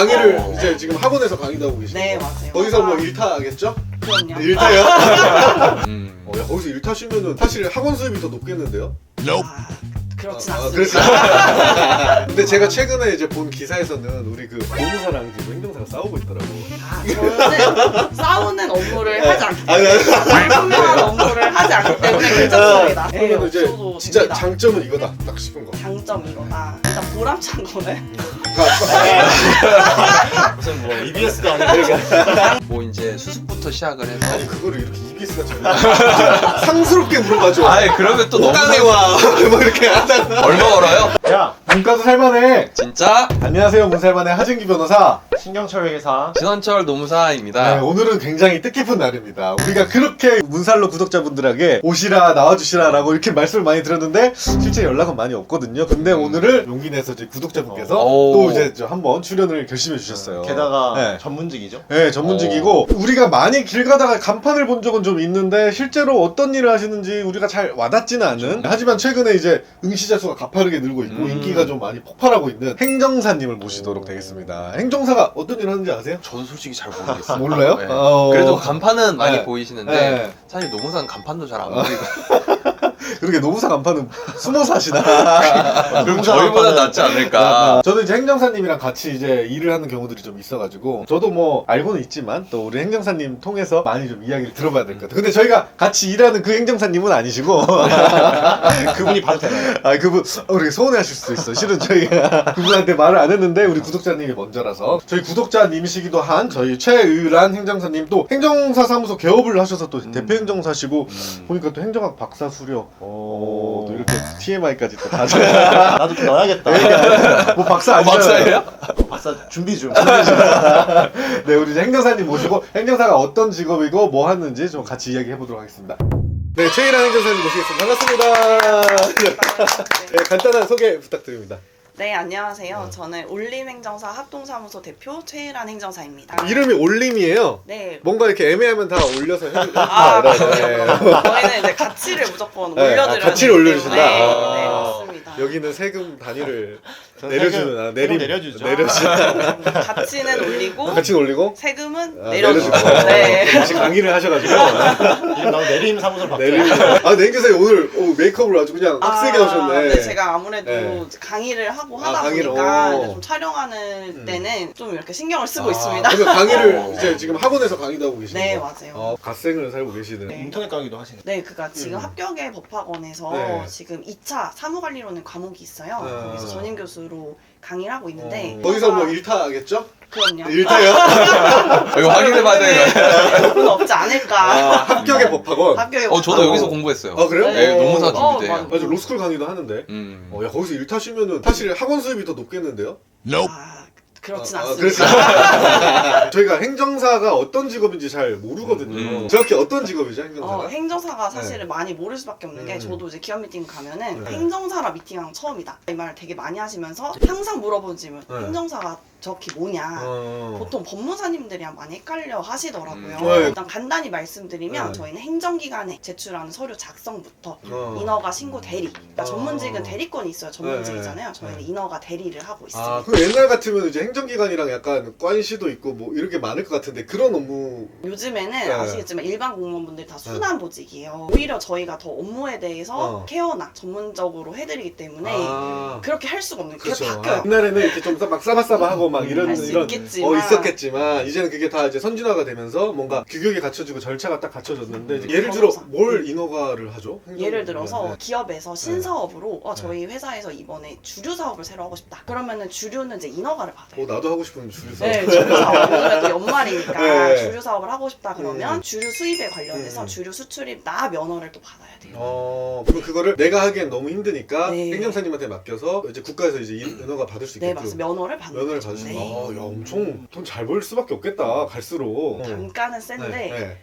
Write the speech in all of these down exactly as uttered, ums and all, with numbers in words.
강의를 어. 이제 지금 학원에서 강의도 하고 계시고 네, 맞아요. 거기서 뭐 일타겠죠? 그럼요. 일타요? 음. 어, 야, 거기서 일타시면은 사실 학원 수입이 더 높겠는데요? 아, 그렇진 아, 아, 않습니다. 그렇지. 근데 제가 최근에 이제 본 기사에서는 우리 그 노무사랑 지금 행정사가 싸우고 있더라고. 아, 저는 싸우는 업무를 하지 않기 아니, 때문에 아니, 분명한 업무를 하지 않기 때문에 괜찮습니다. 네, 그러면 이제 없어도 진짜 됩니다. 장점은 이거다 딱 싶은 거. 장점 이거다. 일단 보람찬 거는 무슨 뭐 이비에스도 아니고 뭐 이제 수습부터 시작을 해서. 아니 그거를 이렇게 이비에스가 좀 상스럽게 물어봐줘. 아이 그러면 또 너무 땅에 와. 뭐 이렇게 하다가. 얼마 벌어요? 야 문과도 살만해. 진짜 안녕하세요 문살만의 하진기 변호사. 신경철 회사 신원철 노무사입니다. 네, 오늘은 굉장히 뜻깊은 날입니다. 우리가 그렇게 문살로 구독자분들에게 오시라 나와주시라 라고 이렇게 말씀을 많이 드렸는데 실제 연락은 많이 없거든요. 근데 오늘은 용기 내서 이제 구독자분께서 오. 또 이제 저 한번 출연을 결심해 주셨어요. 게다가 네. 전문직이죠. 네, 전문직이고 우리가 많이 길 가다가 간판을 본 적은 좀 있는데 실제로 어떤 일을 하시는지 우리가 잘 와닿지는 않은, 하지만 최근에 이제 응시자 수가 가파르게 늘고 있고 음. 인기가 좀 많이 폭발하고 있는 행정사님을 모시도록 되겠습니다. 행정사가 어떤 일을 하는지 아세요? 저도 솔직히 잘 모르겠어요. 몰라요? 네. 어. 그래도 간판은 많이 네. 보이시는데 네. 사실 노무사는 간판도 잘 안 보이고. 그렇게 노무사 간판은 숨어서 하시나? 그럼 저희보다 낫지 않을까. 아, 저는 이제 행정사님이랑 같이 이제 일을 하는 경우들이 좀 있어가지고 저도 뭐 알고는 있지만 또 우리 행정사님 통해서 많이 좀 이야기를 들어봐야 될 것 같아요. 근데 저희가 같이 일하는 그 행정사님은 아니시고 그분이 봐도 되나요? 아 그분 어, 우리 서운해하실 수도 있어. 실은 저희가 그분한테 말을 안 했는데 우리 구독자님이 먼저라서 저희 구독자님이시기도 한 저희 최의란 행정사님, 또 행정사 사무소 개업을 하셔서 또 대표 행정사시고 음. 보니까 또 행정학 박사 수료 어, 또 이렇게 티엠아이까지 또 가져. 나도 좀 넣어야겠다. 뭐 박사 어, 아니잖아요. 박사예요? 박사 준비 중. 네, 우리 이제 행정사님 모시고 행정사가 어떤 직업이고 뭐 하는지 좀 같이 이야기해 보도록 하겠습니다. 네, 최일한 행정사님 모시겠습니다. 반갑습니다. 네, 간단한 소개 부탁드립니다. 네, 안녕하세요. 저는 올림행정사 합동사무소 대표 최일한 행정사입니다. 이름이 올림이에요. 네. 뭔가 이렇게 애매하면 다 올려서 해주는 아, 네. 저희는 이제 가치를 무조건 네, 올려드려야 아, 가치를 되기 올려주신다. 때문에. 아. 네, 맞습니다. 여기는 세금 단위를 저는 내려주는 세금- 아, 세금 내림 내려주죠. 내려주는 가치는 올리고 가치는 올리고 세금은 아, 내려주고. 내려주고. 네. 같이 강의를 하셔가지고 이름 나도 내림 사무소로 내림. 바뀌어요. 아, 네, 행정사님 오늘 오, 메이크업을 아주 그냥 빡세게 아, 하셨네. 네, 제가 아무래도 네. 강의를 하고 아, 하다 강의를, 보니까 오. 이제 좀 촬영하는 음. 때는 좀 이렇게 신경을 쓰고 아, 있습니다. 그러면 강의를 어. 이제 지금 학원에서 강의도 하고 계시는 네, 거? 맞아요. 어, 갓생을 살고 계시는. 네. 인터넷 강의도 하시네. 네, 그니까 지금 음. 합격의 법학원에서 네. 지금 이 차 사무관리로는 과목이 있어요. 아. 거기서 전임 교수로 강의를 하고 있는데 어, 거기서 뭐 일타겠죠? 그럼요. 일타요? 어, 이거 확인해봐야 되는 거예요. 그건 없지 않을까. 아, 합격의 법학원. 합격의 어, 저도 법학원. 여기서 공부했어요. 아, 그래요? 네, 어. 노무사 어, 준비돼요. 맞아. 맞아, 로스쿨 강의도 하는데. 음. 어, 야, 거기서 일타시면은 사실 학원 수입이 더 높겠는데요? 아, 그렇진 아, 아, 않습니다. 저희가 행정사가 어떤 직업인지 잘 모르거든요. 음. 정확히 어떤 직업이죠, 행정사가? 어, 행정사가 사실은 많이 모를 수밖에 없는 게 음. 저도 이제 기업 미팅 가면은 네. 행정사라 미팅한 건 처음이다 이 말을 되게 많이 하시면서 항상 물어본 질문 네. 행정사가 정확히 뭐냐. 어. 보통 법무사님들이랑 많이 헷갈려 하시더라고요. 음. 네. 일단 간단히 말씀드리면 네. 저희는 행정기관에 제출하는 서류 작성부터 어. 인허가 신고 대리. 그러니까 어. 전문직은 대리권이 있어요. 전문직이잖아요. 네. 저희는 네. 인허가 대리를 하고 있습니다. 아, 그럼 옛날 같으면 이제 행정기관이랑 약간 관시도 있고 뭐 이런 게 많을 것 같은데 그런 업무. 요즘에는 네. 아시겠지만 일반 공무원분들이 다 순환 보직이에요. 오히려 저희가 더 업무에 대해서 어. 케어나 전문적으로 해드리기 때문에 아. 그렇게 할 수가 없는 게 그렇죠. 바뀌어요. 옛날에는 이렇게 좀 막 싸바싸바하고 막 이런 할수 이런 있겠지만. 어 있었겠지만 이제는 그게 다 이제 선진화가 되면서 뭔가 규격이 갖춰지고 절차가 딱 갖춰졌는데 이제 예를 들어 변호사. 뭘 인허가를 하죠? 행정- 예를 들어서 네. 기업에서 신사업으로 어, 저희 회사에서 이번에 주류 사업을 새로 하고 싶다. 그러면은 주류는 이제 인허가를 받아요. 어 나도 하고 싶은 주류사. 네, 주류 사업. 요즘에 또 연말이니까 네. 주류 사업을 하고 싶다 그러면 음. 주류 수입에 관련해서 음. 주류 수출입 나 면허를 또 받아야 돼요. 어, 그럼 그거를 내가 하기엔 너무 힘드니까 네. 행정사님한테 맡겨서 이제 국가에서 이제 인- 인허가 받을 수 네, 있게끔 맞습니다. 면허를 받는 면허를 거죠. 받으시는 네. 거. 아, 야, 엄청 돈 잘 벌 수밖에 없겠다. 갈수록. 단가는 센데 네, 네.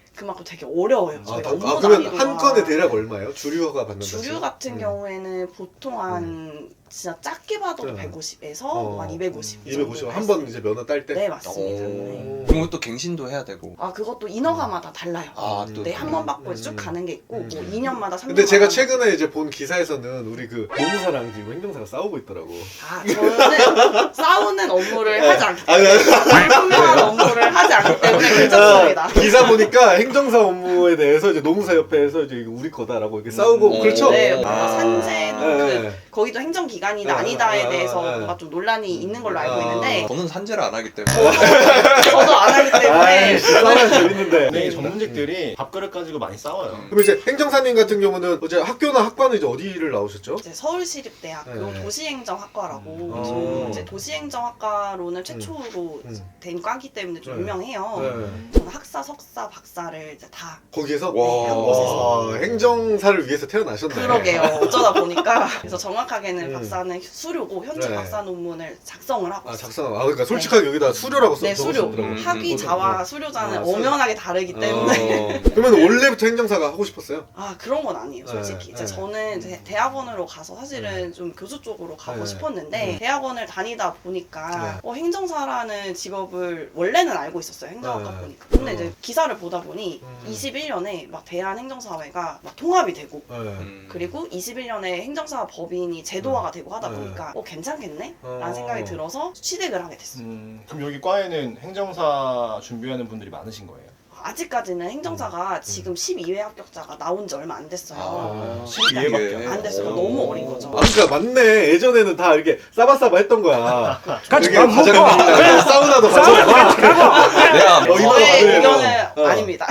그만큼 되게 어려워요. 아, 저희가 더- 업무 아, 그러면 난이도가. 한 건에 대략 얼마예요? 주류가 받는다. 주류 같은 음. 경우에는 보통 한 진짜 작게 봐도 네. 백오십에서 어. 한 이백오십. 이 이백오십 정도 한 번 이제 면허 딸 때. 네, 맞습니다. 오. 네. 그리고 또 갱신도 해야 되고. 아, 그것도 인허가마다 달라요. 아, 또. 네, 한 번 받고 음. 쭉 가는 게 있고, 음. 뭐 이 년마다 삼 년. 근데 제가 최근에 이제 본 기사에서는 우리 그 노무사랑 지금 행정사가 싸우고 있더라고. 아, 저는 싸우는 업무를 하지 않기 아니, 때문에, 아니, 불분명한 업무를 하지 않기 때문에 괜찮습니다. 기사 보니까 행정사 업무에 대해서 이제 노무사 옆에서 이제 이거 우리 거다라고 이렇게 싸우고 음. 그렇죠. 네, 아. 뭔가 산재도 네. 그, 거기도 행정기관이다 네, 아니다에 네, 대해서 네. 뭔가 좀 논란이 있는 걸로 알고 아. 있는데, 저는 산재를 안 하기 때문에. 저도 안 하기 때문에. 아이씨, 싸우면 재밌는데. 네, 전문직들이 밥그릇 가지고 많이 싸워요. 그럼 이제 행정사님 같은 경우는 이제 학교나 학과는 이제 어디를 나오셨죠? 이제 서울시립대학교 네. 도시행정학과라고 음. 저 어. 이제 도시행정학과로는 최초로 음. 된 과기 때문에 좀 네. 유명해요. 네. 저는 학사, 석사, 박사를 이제 다 거기에서 와. 한 곳에서. 와, 행정사를 위해서 태어나셨네. 그러게요. 어쩌다 보니까 그래서 정확하게는 음. 박사는 수료고 현재 네. 박사 논문을 작성을 하고 아 있어요. 작성. 아 그러니까 솔직하게 여기다 수료라고 써. 네, 수료. 적으셨더라고요. 음. 학위, 음. 자와, 수료자는 아, 수료. 엄연하게 다르기 때문에 어. 그러면 원래부터 행정사가 하고 싶었어요? 아 그런 건 아니에요 솔직히. 네, 이제 네. 저는 대, 대학원으로 가서 사실은 좀 교수 쪽으로 가고 네. 싶었는데 음. 대학원을 다니다 보니까 네. 어, 행정사라는 직업을 원래는 알고 있었어요 행정학과 네. 보니까. 근데 어. 이제 기사를 보다 보니 음. 이십일 년에 막 대한행정사회가 막 통합이 되고 네. 음. 그리고 이십일 년에 행정사 법인이 제도화가 되고 하다 네. 보니까 어 괜찮겠네? 어. 라는 생각이 들어서 취득을 하게 됐어요. 음, 그럼 여기 과에는 행정사 준비하는 분들이 많으신 거예요? 아직까지는 행정사가 지금 십이 회 합격자가 나온 지 얼마 안 됐어요. 아, 십이 회밖에 안 됐어요. 오. 너무 어린 거죠. 아 그러니까 맞네. 예전에는 다 이렇게 싸바싸바 했던 거야. 같이 이게 밥 먹고 과장님이랑 사우나도 같이 가고. 내가 어, 이거 저의 맞아요. 의견은 어. 아닙니다.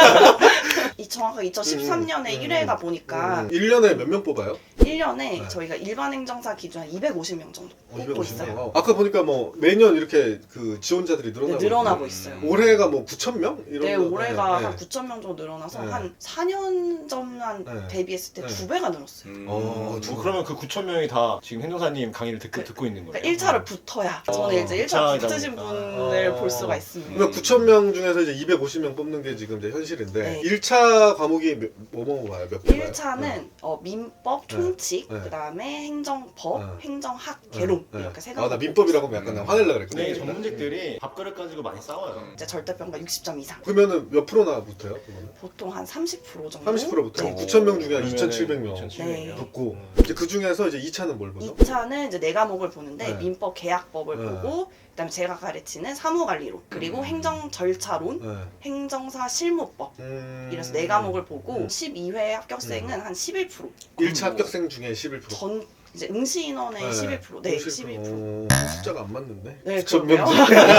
이 정확하게 이천십삼 년에 음, 일 회다 보니까 음. 일 년에 몇 명 뽑아요? 일 년에 네. 저희가 일반 행정사 기준 한 이백오십 명 정도 뽑고 있어요. 명. 아까 보니까 뭐 매년 이렇게 그 지원자들이 네, 늘어나고 늘어나고 음. 있어요. 올해가 뭐 구천 명? 이런 네, 거. 올해가 네, 한 네. 구천 명 정도 늘어나서 네. 한 사 년 전만 네. 대비했을 때 네. 두 배가 늘었어요. 음. 어, 어, 그러면 그 구천 명이 다 지금 행정사님 강의를 듣고, 듣고 있는 거예요? 그러니까 일 차를 붙어야 어, 저는 이제 일 차 일 차이다 붙으신 보니까. 분을 어. 볼 수가 있습니다. 그러면 구천 명 중에서 이제 이백오십 명 뽑는 게 지금 이제 현실인데 네. 일 차 과목이 몇- 뭐 뭐 봐요? 몇 개 봐요? 일 차는 어, 민법, 총칙, 네. 그다음에 행정법, 네. 행정학, 네. 개론 네. 이렇게 세 아, 가지. 나 민법이라고 하면 약간 나 화낼라 그랬거든. 네, 전문직들이 밥그릇 가지고 많이 싸워요. 이제 절대평가 육십 점 이상. 그러면은 몇 프로나 붙어요? 그거는? 보통 한 삼십 퍼센트 정도. 삼십 퍼센트 붙어요. 네. 구천 명 중에 한 그러면은 이천칠백 명 이천칠백 명. 네. 붙고 음. 이제 그 중에서 이제 이 차는 뭘 보죠? 이 차는 이제 네 과목을 보는데 네. 민법 계약법을 네. 보고 그다음에 제가 가르치는 사무관리론 그리고 음. 행정 절차론, 네. 행정사 실무법 음... 이래서 네 과목을 보고 음. 십이 회 합격생은 한 십일 퍼센트. 일 차 합격생 중에 십일 퍼센트. 전 이제 응시 인원의 네. 십일 퍼센트. 네, 십일 십일 퍼센트. 오, 숫자가 안 맞는데? 네, 구천 그러게요. 명 중에.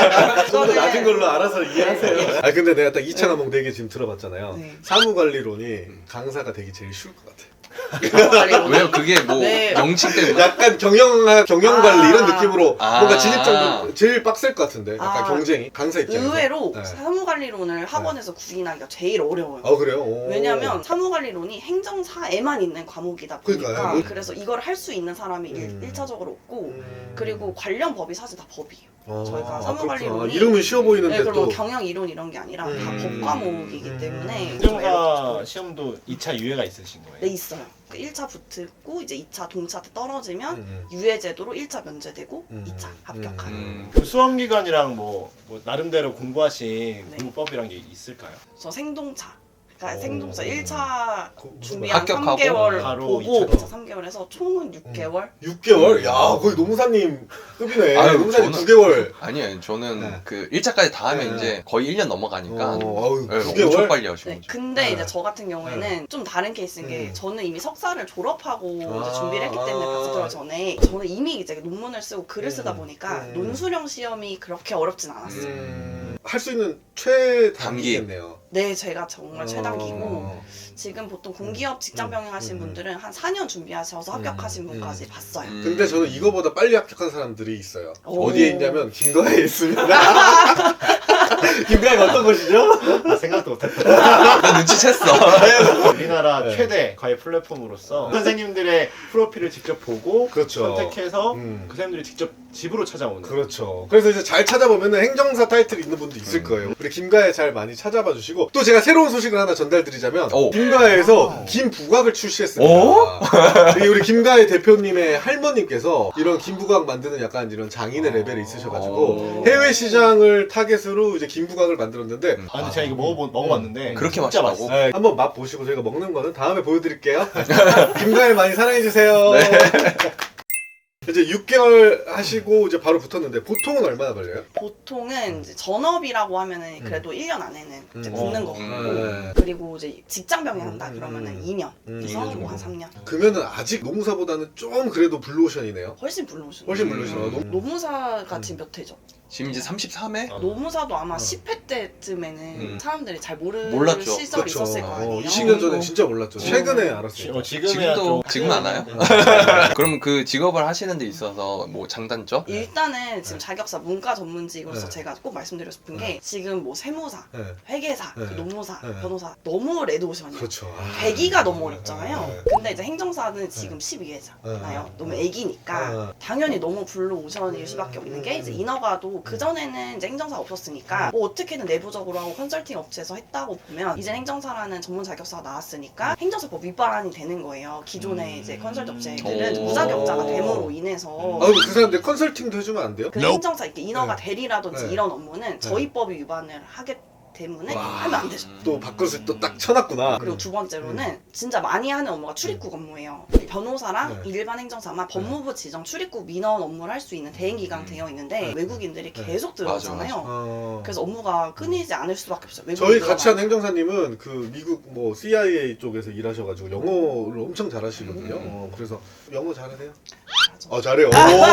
좀더 저는- 낮은 걸로 알아서 이해하세요. 아 근데 내가 딱 이 차 과목 네 개 지금 들어봤잖아요. 네. 사무관리론이 강사가 되기 제일 쉬울 것 같아. 사무관리론. 왜요? 그게 뭐 네. 명칭 때문에? 약간 경영 경영관리 아. 이런 느낌으로 아. 뭔가 진입장도 제일 빡셀 것 같은데. 약간 아. 경쟁이 강사 입장에서. 의외로 네. 사무관리론을 학원에서 구인하기가 제일 어려워요. 아 그래요? 오. 왜냐면 사무관리론이 행정사에만 있는 과목이다 보니까 그러니까요. 그래서 이걸 할 수 있는 사람이 음. 일 차적으로 없고 음. 그리고 관련 법이 사실 다 법이에요. 아, 저희가 그렇구나. 사무관리론이- 이름은 쉬워 보이는데 네, 그럼 또 경영 이론 이런 게 아니라 다 음. 법 과목이기 음. 때문에 좀 행정사 어렵죠. 시험도 이 차 유예가 있으신 거예요? 네 있어요. 일 차 붙고 이제 이 차 동차 때 떨어지면 음. 유예 제도로 일 차 면제되고 음. 이 차 합격하는. 음. 그 수험 기간이랑 뭐, 뭐 나름대로 공부하신 네. 공부법이란 게 있을까요? 저 생동차. 그러니까 오. 생동차 일 차 그- 준비한 합격하고 삼 개월 바로 보고 이 차. 이 차 삼 개월 해서 총은 육 개월. 육 개월? 야 거의 노무사님 급이네. 아유, 노무사님 저는- 구 개월. 아니에요. 저는 네. 그 일 차까지 다 하면 네. 이제 거의 일 년 넘어가니까 어, 아유, 네, 구 엄청 개월? 빨리 하시는 네, 거죠. 근데 네. 이제 저 같은 경우에는 좀 다른 케이스인 게 음. 저는 이미 석사를 졸업하고 아. 이제 준비를 했기 때문에 아. 박사 들어가기 전에 저는 이미 이제 논문을 쓰고 글을 쓰다 음. 보니까 음. 논술형 시험이 그렇게 어렵진 않았어요. 음, 할 수 있는 최단기겠네요. 네, 제가 정말 최단기고 어. 지금 보통 공기업 직장 음. 병행하신 음. 분들은 한 사 년 준비하셔서 합격하신 음. 분까지 봤어요. 음. 근데 저는 이거보다 빨리 합격한 사람들이 있어요. 오. 어디에 있냐면 김가에 있습니다. 김가에가 어떤 곳이죠? 아, 생각도 못했다. 나 눈치챘어. 우리나라 네. 최대 과외 플랫폼으로서 선생님들의 프로필을 직접 보고 그렇죠. 선택해서 음. 그 선생님들이 직접 집으로 찾아오는. 그렇죠. 그래서 이제 잘 찾아보면은 행정사 타이틀이 있는 분도 있을 음. 거예요. 우리 김가에 잘 많이 찾아봐 주시고 또 제가 새로운 소식을 하나 전달드리자면 오. 김가에서 김부각을 출시했습니다. 오? 이 우리 김가의 대표님의 할머님께서 이런 김부각 만드는 약간 이런 장인의 레벨에 있으셔가지고 오. 해외 시장을 타겟으로 이제 김부각을 만들었는데 아 근데 제가 이거 먹어보, 먹어봤는데 그렇게 진짜 맛있다고? 맛있어요. 네, 한번 맛 보시고 저희가 먹는 거는 다음에 보여드릴게요. 김가을 많이 사랑해주세요. 이제 육 개월 하시고 이제 바로 붙었는데 보통은 얼마나 걸려요? 보통은 이제 전업이라고 하면은 그래도 일 년 안에는 이제 음. 붙는 어. 거고 네. 그리고 이제 직장 병행한다 음. 그러면은 이 년 음. 그래서 이 년 정도. 한 삼 년 그러면은 아직 노무사보다는 좀 그래도 블루오션이네요. 훨씬 불러오시는 훨씬 음. 블루오션. 음. 너무- 노무사가 음. 지금 몇 회죠? 지금 이제 삼십삼 회? 어. 노무사도 아마 어. 십 회 때쯤에는 음. 사람들이 잘 모르는 몰랐죠. 시절이 그렇죠. 있었을 거 아니에요. 어, 이십 년 전에 진짜 몰랐죠. 어. 최근에 지, 알았어요. 어, 지금이야 지금도 좀 지금 아나요? 그럼 그 직업을 하시는 데 있어서 뭐 장단점? 일단은 지금 네. 자격사 문과 전문직으로서 네. 제가 꼭 말씀드리고 싶은 게 네. 지금 뭐 세무사, 네. 회계사, 네. 그 노무사, 네. 변호사 너무 레드오션이에요. 그렇죠. 아. 대기가 너무 어렵잖아요. 네. 근데 이제 행정사는 지금 십이 회잖아요. 네. 너무 애기니까 네. 당연히 너무 블루오션일 수밖에 없는 게 이제 인허가도 그 전에는 이제 행정사 없었으니까 뭐 어떻게든 내부적으로 하고 컨설팅 업체에서 했다고 보면 이제 행정사라는 전문 자격사가 나왔으니까 행정사법 위반이 되는 거예요. 기존의 이제 컨설팅 업체들은 오. 무자격자가 됨으로 인해서 아, 그럼 그 사람들 컨설팅도 해주면 안 돼요? 그 행정사 이렇게 인허가 네. 대리라든지 네. 이런 업무는 저희 법이 위반을 하기 때문에 와. 하면 안 되죠. 또 바꿔서 또 딱 쳐놨구나. 그리고 두 번째로는 진짜 많이 하는 업무가 출입국 업무예요. 변호사랑 네. 일반 행정사만 법무부 지정 출입국 민원 업무를 할 수 있는 대행 기간 되어 있는데 외국인들이 네. 계속 들어오잖아요. 어... 그래서 업무가 끊이지 않을 수밖에 없어요. 외국인 저희 같이 한 들어가면. 행정사님은 그 미국 뭐 씨아이에이 쪽에서 일하셔가지고 영어를 엄청 잘하시거든요. 음. 어, 그래서 영어 잘하세요? 맞아. 어 잘해요.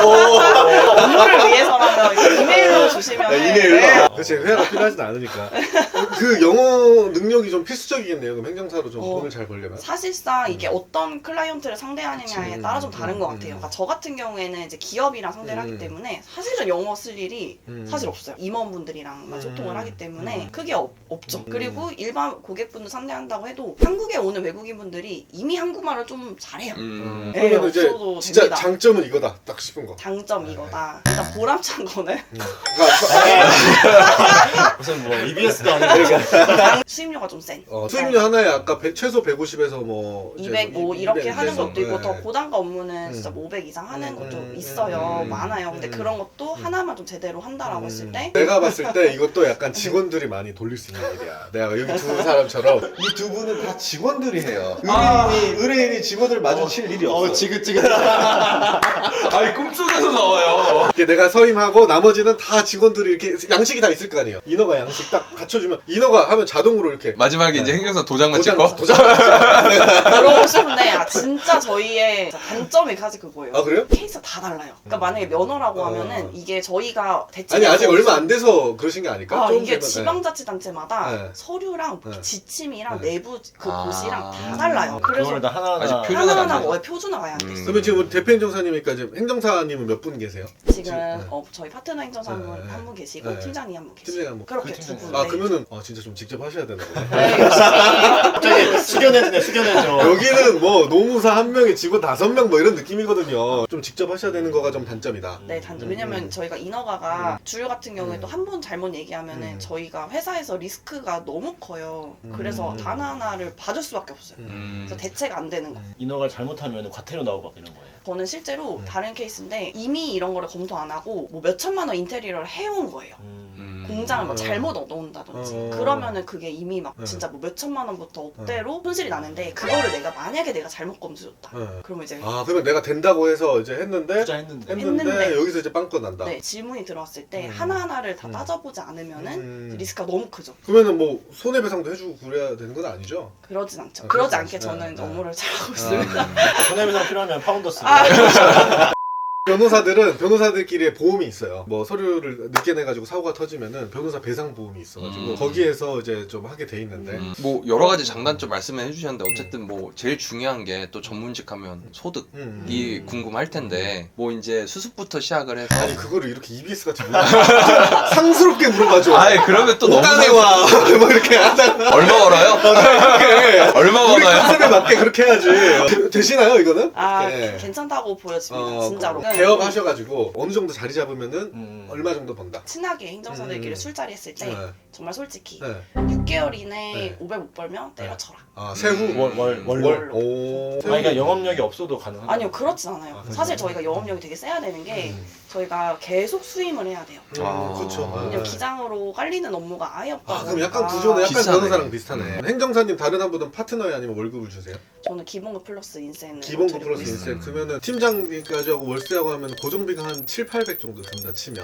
오! 업무를 위해서라면 이렇게 이메일로 주시면 네, 이메일로. 그렇지 회화가 필요하진 않으니까. 그 영어 능력이 좀 필수적이겠네요. 그럼 행정사로 좀 어. 돈을 잘 벌려면. 사실상 이게 어떤 클라이언트를 상대하느냐에 그치. 따라 좀 다른 것 음. 같아요. 그러니까 저 같은 경우에는 이제 기업이랑 상대를 음. 하기 때문에 사실은 영어 쓸 일이 음. 사실 없어요. 임원분들이랑만 음. 소통을 하기 때문에 음. 크게 없, 없죠. 음. 그리고 일반 고객분들 상대한다고 해도 한국에 오는 외국인분들이 이미 한국말을 좀 잘해요. 음. 네, 그러면 이제 없어도 진짜 됩니다. 장점은 이거다 딱 싶은 거. 장점 이거다. 일단 보람찬 거는 음. 그러니까 무슨 뭐 이비에스도 아니고 수입료가 좀 센. 어, 수입료 하나에 아까 백- 최소 백오십에서 뭐 이제 이백 뭐 이- 이렇게 이백 하는 이래서, 것도 있고 네. 더 고단가 업무는 음. 진짜 뭐 오백 이상 하는 음, 것도 음, 있어요. 음, 많아요. 근데 음. 그런 것도 하나만 좀 제대로 한다라고 했을 때 내가 봤을 때 이것도 약간 직원들이 많이 돌릴 수 있는 일이야. 내가 여기 두 사람처럼 이 두 분은 다 직원들이 해요. 의뢰인이 의뢰인이 직원을 마주칠 일이 없어. 어 지긋지긋. 아니 꿈속에서 나와요. 이렇게 내가 서임하고 나머지는 다 직원들이 이렇게 양식이 다 있을 거 아니에요. 인허가 양식 딱 갖춰주면 인허가 하면 자동으로 이렇게 마지막에 이제 행정사 도장만 도장 찍고 도장. 그러고 싶은데 아, 진짜 저희의 단점이 사실 그거예요. 아 그래요? 케이스가 다 달라요. 그러니까 만약에 면허라고 어. 하면은 이게 저희가 대체 아니 아직 얼마 안 돼서 그러신 게 아닐까? 아, 좀 이게 되면, 지방자치단체마다 네. 서류랑 네. 지침이랑 네. 내부 그 아. 도시랑 다 달라요. 그래서 그걸 다 하나하나 아직 표준- 하나하나 표준화가 안 뭐 표준화가 안 돼 있어요. 음. 그러면 지금 우리 대표 행정사님이니까 이제 행정사님은 몇 분 계세요? 지금 네. 어, 저희 파트너 행정사 한 네, 분 네. 한 분 계시고 네. 팀장님 한 분 계시고 팀장님 한 분. 그렇게 그 두 팀장님. 분. 아 네. 그러면은 어, 진짜 좀 직접 하셔야 되나 보네. 네, 열심히 갑자기 숙연해지네 숙연해져. 여기는 뭐 노무사 한 명에 직원 다섯 명 뭐 이런 느낌이거든요. 좀 직접 하셔야 되는 거가 좀 단점이다. 네, 단점. 음. 왜냐면 저희가 인허가가 주류 같은 경우에 음. 또 한 번 잘못 얘기하면은 음. 저희가 회사에서 리스크가 너무 커요. 그래서 음. 단 하나를 봐줄 수밖에 없어요. 음. 그래서 대체가 안 되는 거. 인허가를 잘못하면 과태료 나오고 막 이런 거예요. 저는 실제로 음. 다른 케이스인데 이미 이런 거를 검토 안 하고 뭐 몇 천만 원 인테리어를 해온 거예요. 음. 음. 공장을 뭐 어. 잘못 얻어온다든지 어. 그러면은 그게 이미 막 네. 진짜 뭐 몇 천만 원부터 억대로 손실이 나는데 그거를 내가 만약에 내가 잘못 검수줬다. 네. 그러면 이제 아 그러면 내가 된다고 해서 이제 했는데 투자했는데. 했는데, 했는데. 여기서 이제 빵꾸 난다. 네, 질문이 들어왔을 때 음. 하나하나를 다 음. 따져보지 않으면은 음. 리스크가 너무 크죠. 그러면은 뭐 손해배상도 해주고 그래야 되는 건 아니죠? 그러진 않죠. 아, 그러지 그러지 않게 않죠. 저는 네, 업무를 잘하고 아. 있습니다. 손해배상 필요하면 파운더스. 아, 변호사들은 변호사들끼리의 보험이 있어요. 뭐 서류를 늦게 내가지고 사고가 터지면은 변호사 배상 보험이 있어가지고 음. 거기에서 이제 좀 하게 돼 있는데. 음. 뭐 여러 가지 장단점 말씀해 주셨는데 어쨌든 뭐 제일 중요한 게 또 전문직 하면 소득이 음. 궁금할 텐데 뭐 이제 수습부터 시작을 해서 아니 그거를 이렇게 이비에스 같이 물어 상스럽게 물어봐줘. 아이 그러면 또 너무 땅에 와. 뭐 이렇게 하다가 얼마 벌어요? 얼마 우리 벌어요? 컨셉에 맞게 그렇게 해야지. 되시나요 이거는? 아 네. 괜찮다고 보여집니다. 어, 진짜로. 그 네. 개업하셔가지고 어느 정도 자리 잡으면은 음. 얼마 정도 번다. 친하게 행정사들끼리 음. 술자리 했을 때 네. 정말 솔직히 네. 육 개월 이내 네. 오백 못 벌면 때려쳐라. 아 세후 월, 월, 월. 월. 오. 아, 그러니까 영업력이 없어도 가능한 아니요, 그렇진 않아요. 아, 사실 그렇죠. 저희가 영업력이 되게 세야 되는 게 음. 저희가 계속 수임을 해야 돼요. 아. 그렇죠. 왜냐면 기장으로 깔리는 업무가 아예 없다 아 그럼 보니까 약간 구조는 약간 비슷하네. 변호사랑 비슷하네. 행정사님 다른 한 분은 파트너에 아니면 월급을 주세요? 저는 기본급 플러스 인센을 기본급 드리고 플러스 있어요. 인센 그러면은 팀장님까지 하고 월세하고 하면 고정비가 한 칠, 팔백 정도 든다 치면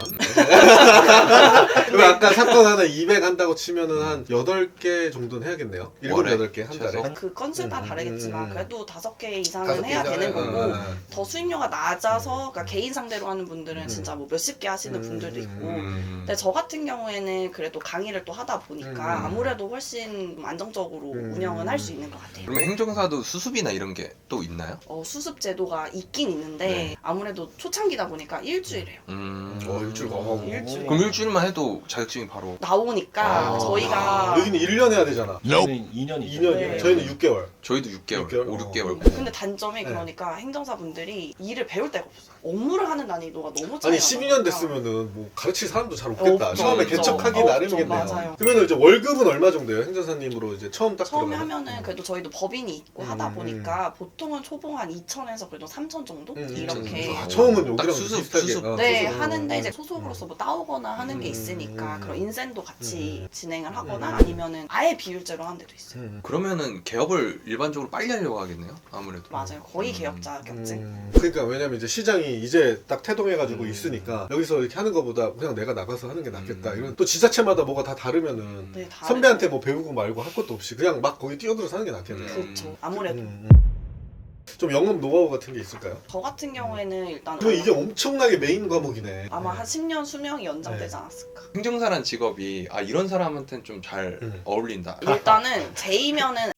그럼 아까 사건 하나 이백 한다고 치면은 한 여덟 개 정도는 해야겠네요. 일곱, 월에? 여덟 개 한 달에. 최소? 그 건수에 따라 음, 다르겠지만 음, 음. 그래도 다섯 개 다섯 이상은 개 해야 이상은, 되는 거고 어, 어, 어. 더 수입료가 낮아서 그러니까 개인 상대로 하는 분들은 음. 진짜 뭐 몇십 개 하시는 음, 분들도 음, 있고 음. 근데 저 같은 경우에는 그래도 강의를 또 하다 보니까 음. 아무래도 훨씬 안정적으로 음. 운영은 할 수 있는 것 같아요. 그러면 행정사도 수습이나 이런 게 또 있나요? 어, 수습 제도가 있긴 있는데 네. 아무래도 초창기다 보니까 일주일이에요. 음. 어 일주일 가. 일주일. 그럼 일주일만 해도 자격증이 바로 나오니까 아. 저희가 여기는 일 년 해야 되잖아. 저희는 이 년이 이 년이요. 네. 저희는 육 개월. 저희도 육 개월, 육 개월? 오, 육 개월. 어. 근데 단점이 네. 그러니까 행정사분들이 일을 배울 데가 없어요. 업무를 하는 난이도가 너무 차이가 아니 십이 년 나니까. 됐으면은 뭐 가르칠 사람도 잘 없겠다. 없죠, 처음에 없죠. 개척하기 없죠, 나름이겠네요. 맞아요. 그러면 이제 월급은 얼마 정도예요? 행정사님으로 이제 처음 딱 처음에 들어가면? 하면은 그래도 저희도 법인이 있고 음, 하다 음. 보니까 보통은 초봉 한 이천에서 그래도 삼천 정도 음, 이렇게 아, 처음은 딱 여기랑 수습, 비슷하게. 수습. 어, 네 수습. 하는데 음. 이제 소속으로서 뭐 따오거나 하는 게 음, 있으니까 음. 그런 인센도 같이 음. 진행을 하거나 음. 아니면은 아예 비율제로 하는 데도 있어요. 음. 그러면은 개업을 일반적으로 빨리 하려고 하겠네요. 아무래도. 맞아요. 거의 음. 개업 자격증. 음, 그러니까 왜냐면 이제 시장이 이제 딱 태동해가지고 음. 있으니까 여기서 이렇게 하는 것보다 그냥 내가 나가서 하는 게 낫겠다. 음. 이런 또 지자체마다 뭐가 다 다르면은 네, 다르죠. 선배한테 뭐 배우고 말고 할 것도 없이 그냥 막 거기 뛰어들어서 하는 게 낫겠네요. 음. 그렇죠. 아무래도 음, 음. 좀 영업 노하우 같은 게 있을까요? 저 같은 경우에는 일단 그럼 이게 엄청나게 메인 과목이네. 아마 네. 한 십 년 수명이 연장되지 네. 않았을까. 행정사란 직업이 아 이런 사람한테는 좀 잘 음. 어울린다. 일단은 제이면은